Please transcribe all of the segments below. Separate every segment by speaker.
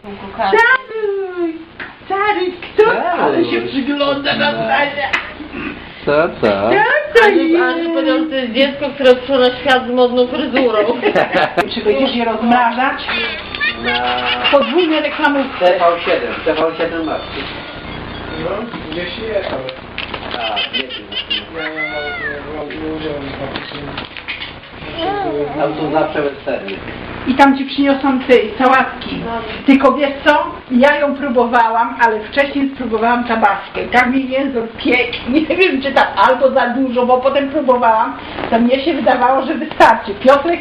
Speaker 1: Czaruj! Czaruj, kto? Ale się przygląda na stanie.
Speaker 2: Co?
Speaker 1: Co to jest?
Speaker 3: Andrzej powiedział, że to jest dziecko, które przyszło na świat z modną fryzurą.
Speaker 1: Czy będziesz je rozmrażać?
Speaker 2: Na
Speaker 1: Podwójne reklamówki.
Speaker 2: TV7 masz.
Speaker 4: No, gdzieś jest, ale
Speaker 2: A, nie
Speaker 4: nie użyłem faktycznie.
Speaker 2: Tam są zawsze westerny.
Speaker 1: I tam ci przyniosą sałatki. Tylko wiesz co? Ja ją próbowałam, ale wcześniej spróbowałam tabaskę. Tak mi język piekł. Nie wiem, czy tam albo za dużo, bo potem próbowałam. To mnie się wydawało, że wystarczy. Piotrek...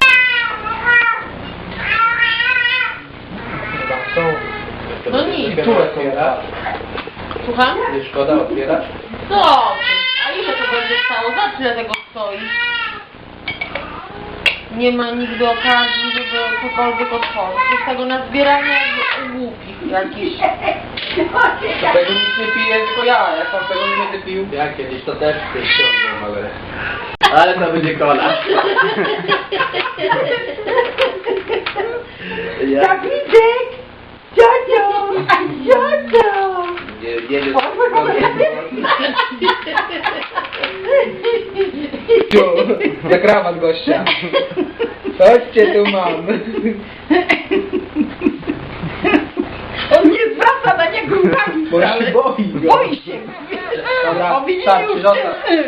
Speaker 4: Chyba są.
Speaker 3: No nic.
Speaker 4: Tu otwiera.
Speaker 3: Słucham?
Speaker 2: Nie szkoda otwierać?
Speaker 3: Co? A ile to będzie stało? Za tyle tego stoi? Nie ma nigdy okazji, żeby cokolwiek otworzyć. To jest tego na zbieranie jak głupich jakichś.
Speaker 4: Tego nic nie piję, tylko ja. Jak pan tego nie będę pił.
Speaker 2: Ja kiedyś to też w tej ściągnę mogę. Ale to będzie kola.
Speaker 1: Dawidek! Ciocio! Ciocio!
Speaker 2: Jedzie
Speaker 4: Tu, za krawat gościa. Chodźcie tu mam.
Speaker 1: On nie zwraca na niego uwagi.
Speaker 4: Bo się boi go.
Speaker 1: Boi się.
Speaker 4: Dobra,
Speaker 1: Bo widzi
Speaker 4: starczy,
Speaker 1: już.
Speaker 4: zostaw.